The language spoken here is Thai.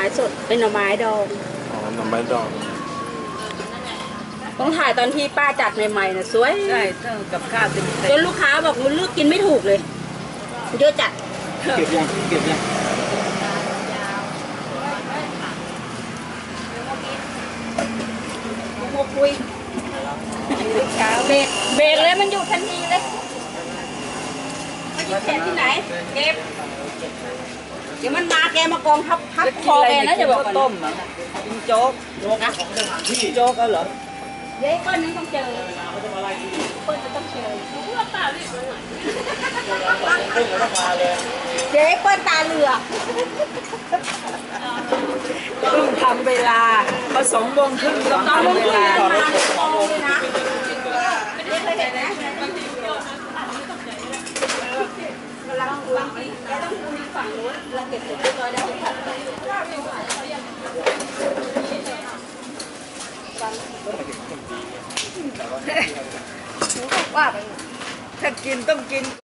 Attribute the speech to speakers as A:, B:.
A: สดเป็นหน่อไม้ดอง
B: อ๋อหน่อไม้ดอง
A: ต้องถ่ายตอนที่ป้าจัดใหม่ๆนะสวย
C: ใช่กับข้าวเต็ม
A: จนลูกค้าบอกมันเลือกกินไม่ถูกเลยเยอะจัด
B: เก็บยัง
A: คุยเบรกเลยมันอยู่ทันทีเลยไม่ได้แกะที่ไหนเก็บเดี๋ยวมันมาแกมากองทับคอแกนะจะบอก
C: ต้มกินโจ๊ก
A: นะ
C: โจ๊กเอาเหรอ
A: เดี๋ยวเปิ้ลนึงต้องเจอเปิ้ลจะต้องเจอเจ๊เปิ้ลตาเหลือก
C: เพิ่งทำเวลาพอ2 โมงครึ่งต้องทำเวลา
A: มาโตเลยนะไม่เคยเห็นนะกำลังคุยแกต้องคุยฝั่งนู้นเราเก็บเสร็จเรียบร้อยแล้วว่าไป
C: ถ้ากินต้องกิน